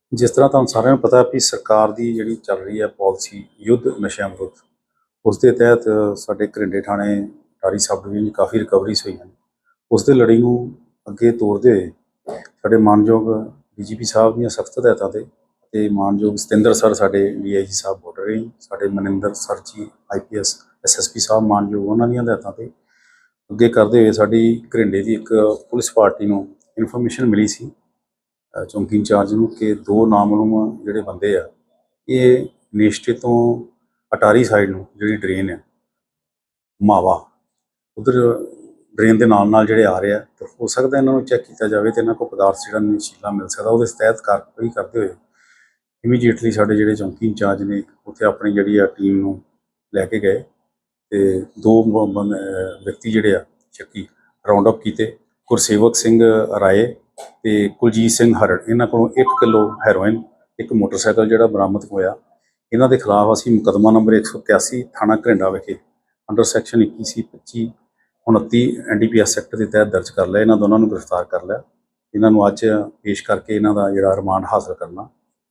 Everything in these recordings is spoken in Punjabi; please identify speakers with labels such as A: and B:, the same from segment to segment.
A: ਜਿਸ ਤਰ੍ਹਾਂ ਤੁਹਾਨੂੰ ਸਾਰਿਆਂ ਨੂੰ ਪਤਾ ਵੀ ਸਰਕਾਰ ਦੀ ਜਿਹੜੀ ਚੱਲ ਰਹੀ ਹੈ ਪਾਲਿਸੀ ਯੁੱਧ ਨਸ਼ਿਆਂ ਵਿਰੁੱਧ, ਉਸ ਦੇ ਤਹਿਤ ਸਾਡੇ ਘਰਿੰਡੇ ਥਾਣੇ ਅਟਾਰੀ ਸਬ ਡਿਵੀਜ਼ਨ 'ਚ ਕਾਫੀ ਰਿਕਵਰੀਜ਼ ਹੋਈਆਂ ਨੇ। ਉਸ ਦੇ ਲੜੀ ਨੂੰ ਅੱਗੇ ਤੋਰਦੇ ਹੋਏ ਸਾਡੇ ਮਾਨਯੋਗ ਡੀਜੀਪੀ ਸਾਹਿਬ ਦੀਆਂ ਸਖਤ ਹਦਾਇਤਾਂ ਤੇ ਮਾਨਯੋਗ ਸਤਿੰਦਰ ਸਰ ਸਾਡੇ ਡੀਆਈਜੀ ਸਾਹਿਬ ਬਾਰਡਰ, ਸਾਡੇ Maninder sir ji IPS SSP Sahib ਮਾਨਯੋਗ, ਉਹਨਾਂ ਦੀਆਂ ਹਦਾਇਤਾਂ ਤੇ ਅੱਗੇ ਕਰਦੇ ਹੋਏ ਸਾਡੀ ਘਰਿੰਡੇ ਦੀ ਇੱਕ ਪੁਲਿਸ ਪਾਰਟੀ ਨੂੰ ਇਨਫੋਰਮੇਸ਼ਨ ਮਿਲੀ ਸੀ ਚੌਂਕੀ ਇੰਚਾਰਜ ਨੂੰ ਕਿ ਦੋ ਨਾਮਲੂਮ ਜਿਹੜੇ ਬੰਦੇ ਆ ਇਹ ਨੇਸ਼ਟੇ ਤੋਂ ਅਟਾਰੀ ਸਾਈਡ ਨੂੰ ਜਿਹੜੀ ਡਰੇਨ ਆ ਮਾਵਾ, ਉਧਰ ਡਰੇਨ ਦੇ ਨਾਲ ਜਿਹੜੇ ਆ ਰਹੇ ਆ, ਤਾਂ ਹੋ ਸਕਦਾ ਇਹਨਾਂ ਨੂੰ ਚੈੱਕ ਕੀਤਾ ਜਾਵੇ ਤੇ ਇਹਨਾਂ ਕੋਲ ਪਦਾਰਥ ਜਿਹੜਾ ਨਸ਼ੀਲਾ ਮਿਲ ਸਕਦਾ। ਉਹਦੇ ਤਹਿਤ ਕਾਰਵਾਈ ਕਰਦੇ ਹੋਏ ਇਮੀਡੀਏਟਲੀ ਸਾਡੇ ਜਿਹੜੇ ਚੌਂਕੀ ਇੰਚਾਰਜ ਨੇ ਉੱਥੇ ਆਪਣੀ ਜਿਹੜੀ ਆ ਟੀਮ ਨੂੰ ਲੈ ਕੇ ਗਏ ਤੇ ਦੋ ਵਿਅਕਤੀ ਜਿਹੜੇ ਆ ਸ਼ੱਕੀ ਰਾਉਂਡ ਅਪ ਕੀਤੇ। ਗੁਰਸੇਵਕ ਸਿੰਘ ਰਾਏ ਤੇ ਕੁਲਜੀਤ ਸਿੰਘ ਹਰੜ, ਇਹਨਾਂ ਕੋਲੋਂ 1 ਕਿਲੋ ਹੈਰੋਇਨ, ਇੱਕ ਮੋਟਰਸਾਈਕਲ ਜਿਹੜਾ ਬਰਾਮਦ ਹੋਇਆ। ਇਹਨਾਂ ਦੇ ਖਿਲਾਫ ਅਸੀਂ ਮੁਕੱਦਮਾ ਨੰਬਰ 181 ਥਾਣਾ ਘਰਿੰਡਾ ਵਿਖੇ under section 21C 25 29 NDPS act ਦੇ ਤਹਿਤ ਦਰਜ ਕਰ ਲਿਆ। ਇਹਨਾਂ ਦੋਨਾਂ ਨੂੰ ਗ੍ਰਿਫਤਾਰ ਕਰ ਲਿਆ। ਇਹਨਾਂ ਨੂੰ ਅੱਜ ਪੇਸ਼ ਕਰਕੇ ਇਹਨਾਂ ਦਾ ਜਿਹੜਾ ਰਿਮਾਂਡ ਹਾਸਲ ਕਰਨਾ।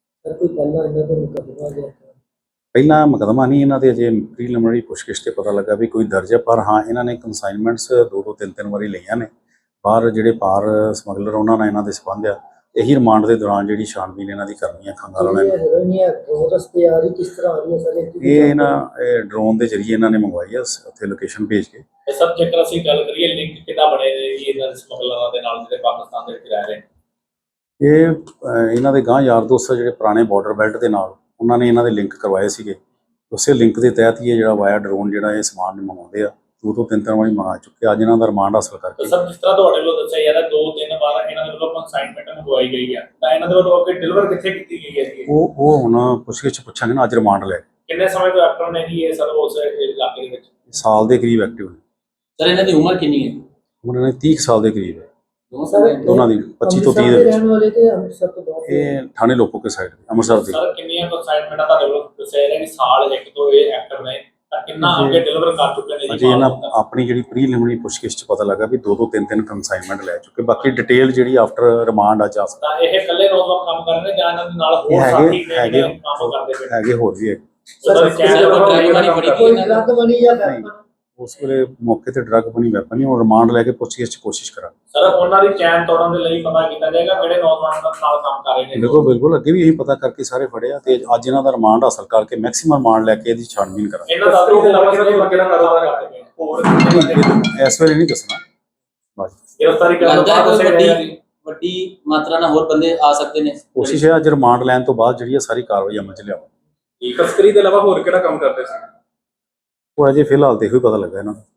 A: ਪਹਿਲਾਂ ਮੁਕੱਦਮਾ ਨਹੀਂ, ਇਹਨਾਂ ਦੇ ਅਜੇ ਪ੍ਰੀਲਿਮਿਨਰੀ ਪੁੱਛਗਿੱਛ ਤੇ ਪਤਾ ਲੱਗਾ ਵੀ ਕੋਈ ਦਰਜ ਹੈ, ਪਰ ਹਾਂ ਇਹਨਾਂ ਨੇ ਕੰਸਾਈਨਮੈਂਟਸ 2-3 ਵਾਰੀ ਲਈਆਂ ਨੇ। ਬਾਹਰ ਜਿਹੜੇ ਪਾਰ ਸਮਗਲਰ ਉਹਨਾਂ ਨਾਲ ਇਹਨਾਂ ਦੇ ਸੰਬੰਧ ਆ। ਇਹੀ ਰਿਮਾਂਡ ਦੇ ਦੌਰਾਨ ਜਿਹੜੀ ਛਾਣਬੀਨ ਇਹਨਾਂ ਦੀ ਕਰਨੀ ਹੈ ਖੰਗਾਲ ਵਾਲਿਆਂ ਨੇ। ਇਹ ਇਹਨਾਂ ਡਰੋਨ ਦੇ ਜ਼ਰੀਏ ਇਹਨਾਂ ਨੇ ਮੰਗਵਾਈ ਆ, ਉੱਥੇ ਲੋਕੇਸ਼ਨ ਭੇਜ ਕੇ।
B: ਸਭ ਜੇਕਰ ਅਸੀਂ ਗੱਲ ਕਰੀਏ ਲਿੰਕ ਕਿੱਦਾਂ ਬਣੇ ਨੇ ਇਹਨਾਂ ਦੇ ਸਮਗਲਰਾਂ ਦੇ ਨਾਲ ਜਿਹੜੇ ਪਾਕਿਸਤਾਨ ਦੇ ਵਿੱਚ ਰਹਿ ਰਹੇ ਨੇ?
A: ਇਹ ਇਹਨਾਂ ਦੇ ਗਾਂ ਯਾਰ ਦੋਸਤ ਜਿਹੜੇ ਪੁਰਾਣੇ ਬਾਰਡਰ ਬੈਲਟ ਦੇ ਨਾਲ ਉਹਨਾਂ ਨੇ ਇਹਨਾਂ ਦੇ ਲਿੰਕ ਕਰਵਾਏ ਸੀਗੇ। ਉਸੇ ਲਿੰਕ ਦੇ ਤਹਿਤ ਹੀ ਇਹ ਜਿਹੜਾ ਵਾਇਆ ਡਰੋਨ ਜਿਹੜਾ ਇਹ ਸਮਾਨ ਮੰਗਵਾਉਂਦੇ ਆ। 2-3 ਵਾਰੀ ਮੰਗਾ ਚੁੱਕੇ। ਅੱਜ ਇਹਨਾਂ ਦਾ ਰਿਮਾਂਡ ਹਾਸਲ ਕਰਕੇ
B: ਸਰ ਜਿਸ ਤਰ੍ਹਾਂ ਤੁਹਾਡੇ ਵੱਲੋਂ ਦੱਸਿਆ ਯਾਰ 2-3 ਵਾਰ ਇਹਨਾਂ ਦੇ ਵੱਲੋਂ ਕੰਸਾਈਨਮੈਂਟ ਮੰਗਵਾਈ ਗਈ ਆ, ਤਾਂ ਇਹਨਾਂ ਦੇ ਵੱਲੋਂ ਅੱਗੇ ਡਿਲੀਵਰ ਕਿੱਥੇ ਕੀਤੀ ਗਈ ਹੈ ਜੀ?
A: ਉਹ ਹੁਣ ਪੁੱਛਗਿੱਛ ਪੁੱਛਾਂਗੇ ਨਾ। ਅੱਜ ਰਿਮਾਂਡ ਲੈ
B: ਕਿੰਨੇ ਸਮੇਂ ਤੋਂ ਐਕਟਿਵ ਨੇ ਜੀ ਇਹ ਸਰ ਉਸ ਇਲਾਕੇ ਦੇ ਵਿੱਚ?
A: ਸਾਲ ਦੇ ਕਰੀਬ ਐਕਟਿਵ ਨੇ।
B: ਸਰ ਇਹਨਾਂ ਦੀ ਉਮਰ ਕਿੰਨੀ ਹੈ?
A: ਉਹਨਾਂ ਨੇ 30 ਸਾਲ ਦੇ ਕਰੀਬ ਹੈ। ਦੋਨਾਂ ਦੀ 25 ਤੋਂ 30 ਦੇ ਵਿੱਚ। ਇਹ ਥਾਣੇ ਲੋਪੋਕੇ ਸਾਈਡ ਅੰਮ੍ਰਿਤਸਰ ਦੀ।
B: ਸਰ ਕਿੰਨੀਆਂ ਕੰਸਾਈਨਮੈਂਟਾਂ ਤੁਹਾਡੇ ਵੱਲੋਂ ਦੱਸਿਆ ਜਾ ਕਿ ਸਾਲ ਇੱਕ ਤੋਂ ਇਹ ਐਕਟਿਵ ਨੇ, ਤਾਂ ਕਿੰਨਾ ਅੱਗੇ ਡਿਲੀਵਰ ਕਰ ਚੁੱਕੇ ਨੇ ਜੀ?
A: ਅਜੇ ਇਹਨਾਂ ਆਪਣੀ ਜਿਹੜੀ ਪ੍ਰੀਲਿਮਿਨਰੀ ਪੁੱਛਗਿੱਛ 'ਚ ਪਤਾ ਲੱਗਾ ਵੀ 2-3 ਕੰਸਾਈਨਮੈਂਟ ਲੈ ਚੁੱਕੇ। ਬਾਕੀ ਡਿਟੇਲ ਜਿਹੜੀ ਆਫਟਰ ਰਿਮਾਂਡ ਆ ਜਾ ਸਕਦਾ।
B: ਤਾਂ ਇਹ ਇਕੱਲੇ ਨੌਜਵਾਨ ਕੰਮ ਕਰ ਰਹੇ ਨੇ ਜਾਂ ਇਹਨਾਂ ਦੇ ਨਾਲ ਹੋਰ ਸਾਥੀ ਨੇ ਜਿਹੜੇ ਕੰਮ ਕਰਦੇ ਪਏ?
A: ਹੈਗੇ ਹੋਰ ਵੀ ਹੈ। ਉਸ ਵੇਲੇ ਮੌਕੇ ਤੇ ਡਰੱਗ ਬਣੀ ਵੈਪਨ ਨਹੀਂ। ਹੁਣ ਰਿਮਾਂਡ ਲੈ ਕੇ ਪੁੱਛਗਿੱਛ 'ਚ ਕੋਸ਼ਿਸ਼ ਕਰਾਂਗੇ।
B: ਸਰ ਉਹਨਾਂ ਦੀ ਚੈਨ ਤੋੜਨ ਦੇ ਲਈ ਪਤਾ ਕੀਤਾ ਜਾਏਗਾ ਕਿਹੜੇ ਨੌਜਵਾਨ ਨਾਲ ਕੰਮ ਕਰ ਰਹੇ ਨੇ?
A: ਬਿਲਕੁਲ ਅੱਗੇ ਵੀ ਇਹੀ ਪਤਾ ਕਰਕੇ ਸਾਰੇ ਫੜੇ ਆ ਤੇ ਅੱਜ ਇਹਨਾਂ ਦਾ ਰਿਮਾਂਡ ਹਾਸਲ ਕਰਕੇ ਮੈਕਸਿਮਮ ਰਿਮਾਂਡ ਲੈ ਕੇ ਇਹਦੀ ਛਾਣਬੀਨ ਕਰਾਂਗੇ।
B: ਇਹਨਾਂ ਦਾ ਕਿਹੜਾ ਕਾਰੋਬਾਰ ਕਰਦੇ ਨੇ ਹੋਰ
A: ਇਸ ਵੇਲੇ ਨਹੀਂ ਦੱਸਣਾ। ਬਸ
B: ਗ੍ਰਿਫਤਾਰੀ ਕਰਨ ਤੋਂ ਬਾਅਦ
C: ਵੱਡੀ ਮਾਤਰਾ ਨਾਲ ਹੋਰ ਬੰਦੇ ਆ ਸਕਦੇ ਨੇ।
A: ਕੋਸ਼ਿਸ਼ ਹੈ ਅੱਜ ਰਿਮਾਂਡ ਲੈਣ ਤੋਂ ਬਾਅਦ ਜਿਹੜੀ ਸਾਰੀ ਕਾਰਵਾਈ ਅਮਲ 'ਚ ਲਿਆਵਾਂਗੇ।
B: ਤਸਕਰੀ ਦੇ ਇਲਾਵਾ ਹੋਰ ਕਿਹੜਾ ਕੰਮ ਕਰਦੇ ਸੀ?
A: ਉਹ ਅਜੇ ਫਿਲਹਾਲ ਤੇ ਇਹੋ ਹੀ ਪਤਾ ਲੱਗਾ ਇਹਨਾਂ ਨੂੰ।